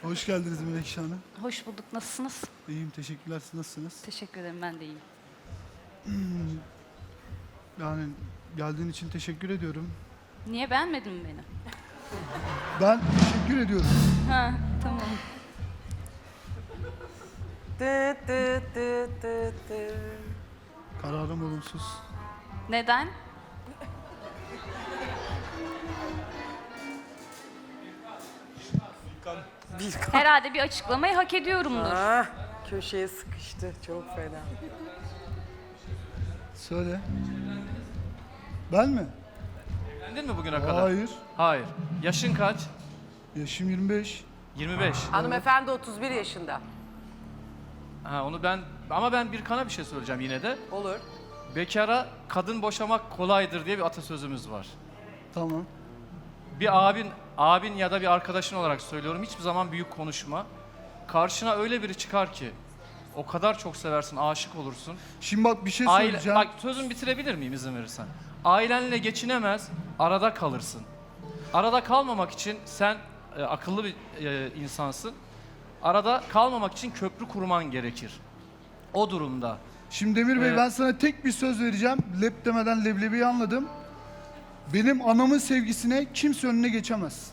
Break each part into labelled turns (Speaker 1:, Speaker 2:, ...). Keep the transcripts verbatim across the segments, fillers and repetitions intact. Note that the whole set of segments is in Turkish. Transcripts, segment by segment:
Speaker 1: Hoş geldiniz Melekşah Hanım.
Speaker 2: Hoş bulduk. Nasılsınız?
Speaker 1: İyiyim, teşekkürler. Siz nasılsınız?
Speaker 2: Teşekkür ederim. Ben de iyiyim.
Speaker 1: Yani geldiğin için teşekkür ediyorum.
Speaker 2: Niye beğenmedin mi beni?
Speaker 1: Ben teşekkür ediyorum.
Speaker 2: Ha, tamam.
Speaker 3: Dı dı dı dı dı.
Speaker 1: Kararım olumsuz.
Speaker 2: Neden? Herhalde bir açıklamayı hak ediyorumdur.
Speaker 3: Ah, köşeye sıkıştı. Çok fena.
Speaker 1: Söyle. Ben mi?
Speaker 4: Evlendin mi bugüne kadar?
Speaker 1: Hayır.
Speaker 4: Hayır. Yaşın kaç?
Speaker 1: Yaşım yirmi beş.
Speaker 4: yirmi beş.
Speaker 3: Hanımefendi otuz bir yaşında.
Speaker 4: Ha onu ben ama ben bir kana bir şey söyleyeceğim yine de.
Speaker 3: Olur.
Speaker 4: Bekara kadın boşamak kolaydır diye bir atasözümüz var.
Speaker 1: Tamam.
Speaker 4: Bir abin, abin ya da bir arkadaşın olarak söylüyorum hiçbir zaman büyük konuşma. Karşına öyle biri çıkar ki o kadar çok seversin, aşık olursun.
Speaker 1: Şimdi bak bir şey
Speaker 4: Aile,
Speaker 1: söyleyeceğim.
Speaker 4: bak sözümü bitirebilir miyim izin verirsen? Ailenle geçinemez, arada kalırsın. Arada kalmamak için sen e, akıllı bir e, insansın. Arada kalmamak için köprü kurman gerekir. O durumda.
Speaker 1: Şimdi Demir Bey
Speaker 4: Ee,
Speaker 1: ben sana tek bir söz vereceğim. Lep demeden leblebiyi anladım. Benim anamın sevgisine kimse önüne geçemez.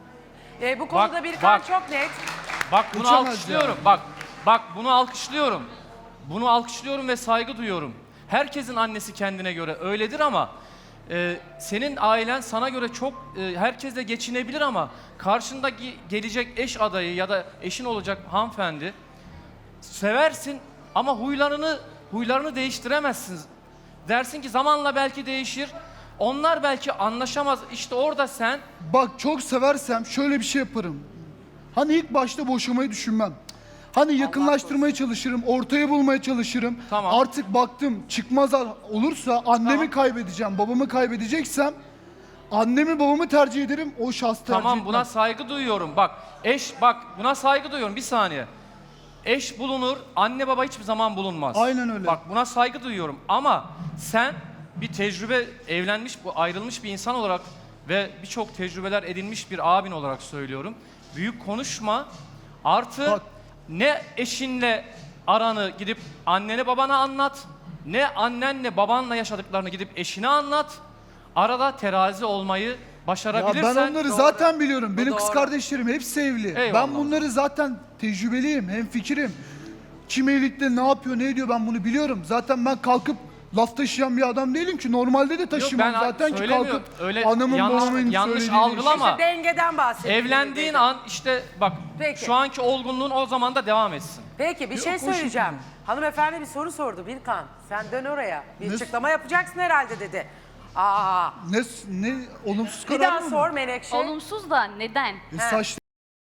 Speaker 3: E, bu konuda
Speaker 4: Bak,
Speaker 3: bir kan
Speaker 4: bak.
Speaker 3: çok net.
Speaker 4: Bak bunu
Speaker 1: Geçemez
Speaker 4: alkışlıyorum.
Speaker 1: yani.
Speaker 4: Bak, bak bunu alkışlıyorum. Bunu alkışlıyorum ve saygı duyuyorum. Herkesin annesi kendine göre öyledir ama e, senin ailen sana göre çok e, herkesle geçinebilir ama karşındaki gelecek eş adayı ya da eşin olacak hanımefendi seversin ama huylarını huylarını değiştiremezsin. Dersin ki zamanla belki değişir. Onlar belki anlaşamaz. İşte orada sen
Speaker 1: Bak çok seversem şöyle bir şey yaparım. Hani ilk başta boşamayı düşünmem. Hani yakınlaştırmaya çalışırım, ortaya bulmaya çalışırım.
Speaker 4: Tamam.
Speaker 1: Artık baktım çıkmaz olursa annemi
Speaker 4: Tamam.
Speaker 1: kaybedeceğim, babamı kaybedeceksem annemi babamı tercih ederim, o şahs tercih
Speaker 4: tamam
Speaker 1: etmem.
Speaker 4: buna saygı duyuyorum. Bak eş bak buna saygı duyuyorum. Bir saniye. Eş bulunur, anne baba hiçbir zaman bulunmaz.
Speaker 1: Aynen öyle.
Speaker 4: Bak buna saygı duyuyorum ama sen bir tecrübe evlenmiş, bu ayrılmış bir insan olarak ve birçok tecrübeler edinmiş bir abin olarak söylüyorum. Büyük konuşma. Artı
Speaker 1: Bak.
Speaker 4: ne eşinle aranı gidip annene babana anlat, ne annenle babanla yaşadıklarını gidip eşine anlat. Arada terazi olmayı
Speaker 1: Ya
Speaker 4: başarabilirsen...
Speaker 1: ben onları zaten biliyorum. Benim
Speaker 3: Bu
Speaker 1: kız
Speaker 3: doğru.
Speaker 1: kardeşlerim hepsi evli.
Speaker 4: Eyvallah.
Speaker 1: Ben bunları zaten tecrübeliyim, hemfikirim. Kim evlilikte ne yapıyor, ne ediyor ben bunu biliyorum. Zaten ben kalkıp laf taşıyan bir adam değilim ki. Normalde de taşımam
Speaker 4: ben
Speaker 1: zaten ki
Speaker 4: söylemiyorum.
Speaker 1: kalkıp
Speaker 4: Öyle
Speaker 1: anamın
Speaker 4: yanlış-
Speaker 1: babamın
Speaker 4: yanlış
Speaker 1: söylediği
Speaker 4: algılama.
Speaker 3: İşte dengeden bahsediyorum.
Speaker 4: Evlendiğin an işte bak
Speaker 3: Peki.
Speaker 4: şu anki olgunluğun o zaman da devam etsin.
Speaker 3: Peki bir şey
Speaker 1: Yok, o
Speaker 3: söyleyeceğim.
Speaker 1: şekilde.
Speaker 3: Hanımefendi bir soru sordu Birkan. Sen dön oraya. Bir
Speaker 1: Ne-
Speaker 3: açıklama yapacaksın herhalde dedi. Aa,
Speaker 1: Ne, ne olumsuz
Speaker 3: bir
Speaker 1: karar
Speaker 3: daha
Speaker 1: mı?
Speaker 3: sor Menekşe.
Speaker 2: Olumsuz da neden?
Speaker 1: E, saç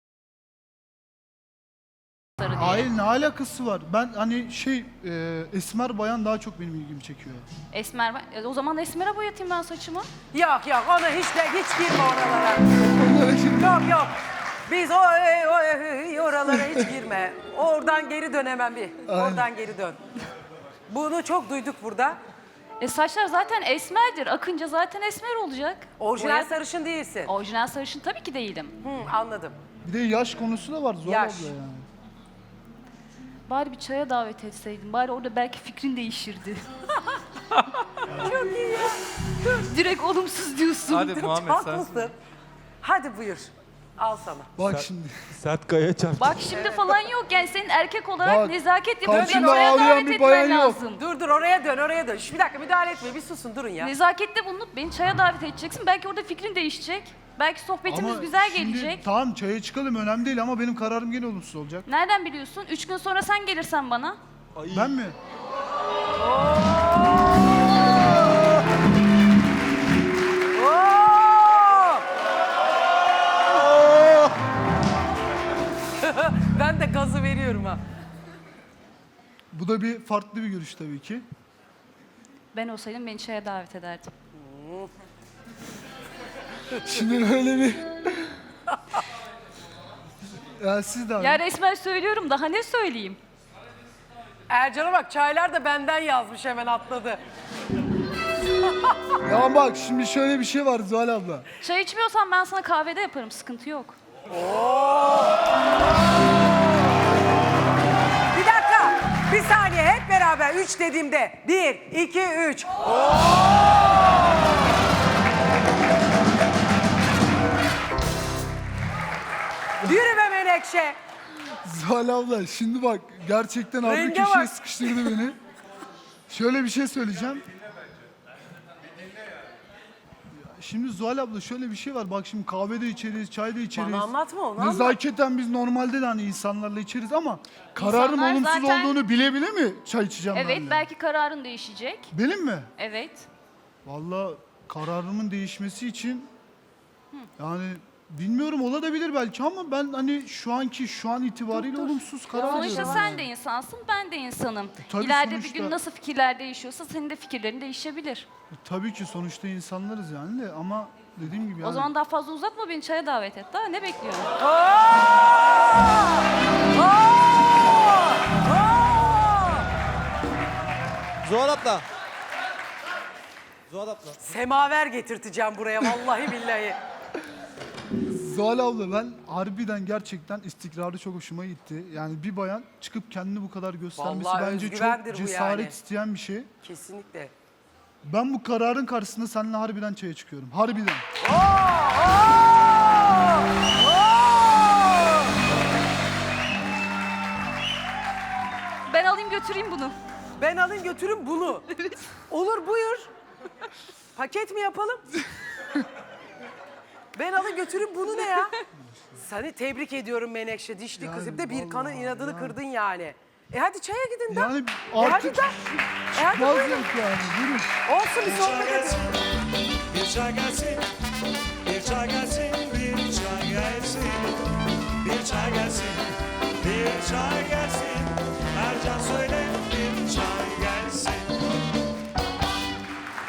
Speaker 2: Diye.
Speaker 1: Hayır ne alakası var? Ben hani şey e, esmer bayan daha çok benim ilgimi çekiyor.
Speaker 2: Esmer, ben- e, o zaman esmere boyatayım ben saçımı.
Speaker 3: Yok yok ona hiç de hiç girme oralara. Yok yok. Biz o, o, o oralara hiç girme. Oradan geri dön hemen bir. Oradan geri dön. Bunu çok duyduk burada.
Speaker 2: E saçlar zaten esmerdir. Akınca zaten esmer olacak.
Speaker 3: Orijinal
Speaker 2: Boya-
Speaker 3: sarışın değilsin.
Speaker 2: Orijinal sarışın tabii ki değilim.
Speaker 3: Hı, anladım.
Speaker 1: Bir de yaş konusu da var Zuhal
Speaker 3: Yaş.
Speaker 1: abla yani.
Speaker 2: Bari bir çaya davet etseydin. Bari orada belki fikrin değişirdi.
Speaker 3: Çok iyi ya.
Speaker 2: Direkt olumsuz diyorsun.
Speaker 4: Hadi Muhammed sen.
Speaker 3: Haklısın. Hadi buyur. Al sana.
Speaker 1: Bak şimdi.
Speaker 5: Sert kaya çarptı.
Speaker 2: Bak şimdi falan yok yani senin erkek olarak
Speaker 1: Bak,
Speaker 2: nezaket yapıp beni
Speaker 1: karşımda
Speaker 2: oraya
Speaker 1: ağlayan
Speaker 2: davet
Speaker 1: bir
Speaker 2: etmen
Speaker 1: bayan yok.
Speaker 2: lazım.
Speaker 3: Dur dur oraya dön oraya dön. Şu bir dakika müdahale etme bir susun durun ya.
Speaker 2: Nezakette bulunup beni çaya davet edeceksin. Belki orada fikrin değişecek. Belki sohbetimiz
Speaker 1: Ama
Speaker 2: güzel
Speaker 1: şimdi
Speaker 2: gelecek.
Speaker 1: Tamam çaya çıkalım önemli değil ama benim kararım gene olumsuz olacak.
Speaker 2: Nereden biliyorsun? Üç gün sonra sen gelirsen bana.
Speaker 1: Ben mi?
Speaker 3: Oo! Ben de gazı veriyorum ha.
Speaker 1: Bu da bir farklı bir görüş tabii ki.
Speaker 2: Ben olsaydım beni çaya davet ederdim.
Speaker 1: Şimdi öyle bir... ya siz de abi.
Speaker 2: Ya resmen söylüyorum daha ne söyleyeyim?
Speaker 3: Ercan'a bak çaylar da benden yazmış hemen atladı.
Speaker 1: Ya bak şimdi şöyle bir şey var Zuhal abla.
Speaker 2: Çay içmiyorsan ben sana kahvede yaparım sıkıntı yok.
Speaker 3: Bir dakika. Bir saniye hep beraber üç dediğimde. Bir, iki, üç. Yürü be Menekşe.
Speaker 1: Zuhal abla şimdi bak gerçekten abi
Speaker 3: Renge
Speaker 1: köşeye
Speaker 3: bak.
Speaker 1: sıkıştırdı beni. Şöyle bir şey söyleyeceğim. Şimdi Zuhal abla şöyle bir şey var. Bak şimdi kahve de içeriz, çay da içeriz.
Speaker 3: Bana anlatma onu, anlat.
Speaker 1: Nezaketen biz normalde de hani insanlarla içeriz ama kararım
Speaker 2: İnsanlar
Speaker 1: olumsuz
Speaker 2: zaten-
Speaker 1: olduğunu bile bile mi çay içeceğim
Speaker 2: Evet,
Speaker 1: ben de?
Speaker 2: belki kararın değişecek.
Speaker 1: Benim mi?
Speaker 2: Evet.
Speaker 1: Vallahi kararımın değişmesi için yani bilmiyorum olabilir belki ama ben hani şu anki şu an itibariyle olumsuz karar
Speaker 2: Sonuçta
Speaker 1: veriyorum.
Speaker 2: sen de insansın, ben de insanım.
Speaker 1: tabii
Speaker 2: İleride
Speaker 1: sonuçta-
Speaker 2: bir gün nasıl fikirler değişiyorsa senin de fikirlerin değişebilir.
Speaker 1: Tabii ki sonuçta insanlarız yani de ama dediğim gibi yani
Speaker 2: O zaman daha fazla uzatma, beni çaya davet et. Daha ne bekliyorsun?
Speaker 3: Oo! Oo! Oo!
Speaker 5: Zuhal abla. Zuhal abla.
Speaker 3: Semaver getirteceğim buraya vallahi billahi.
Speaker 1: Zuhal abla ben harbiden gerçekten istikrarı çok hoşuma gitti. Yani bir bayan çıkıp kendini bu kadar göstermesi
Speaker 3: Vallahi
Speaker 1: bence
Speaker 3: özgüvendir
Speaker 1: çok
Speaker 3: bu
Speaker 1: cesaret
Speaker 3: yani.
Speaker 1: isteyen bir şey.
Speaker 3: Kesinlikle.
Speaker 1: Ben bu kararın karşısında seninle harbiden çaya çıkıyorum. Harbiden.
Speaker 3: Oo! Oo! Oo!
Speaker 2: Ben alayım götüreyim bunu.
Speaker 3: Ben alın götürün bunu. Olur buyur. Paket mi yapalım? Ben alın götürün bunu ne ya? Seni tebrik ediyorum Menekşe dişli
Speaker 1: Yani
Speaker 3: kız. Bir de bir
Speaker 1: vallahi
Speaker 3: kanın inadını
Speaker 1: yani.
Speaker 3: kırdın yani. E hadi çaya gidin de.
Speaker 1: Yani
Speaker 3: E hadi
Speaker 1: artık
Speaker 3: de. E hadi
Speaker 1: çıkmaz
Speaker 3: buyurun.
Speaker 1: yok yani. Buyurun.
Speaker 3: Olsun bir sohbet edin.
Speaker 5: Bir çay gelsin.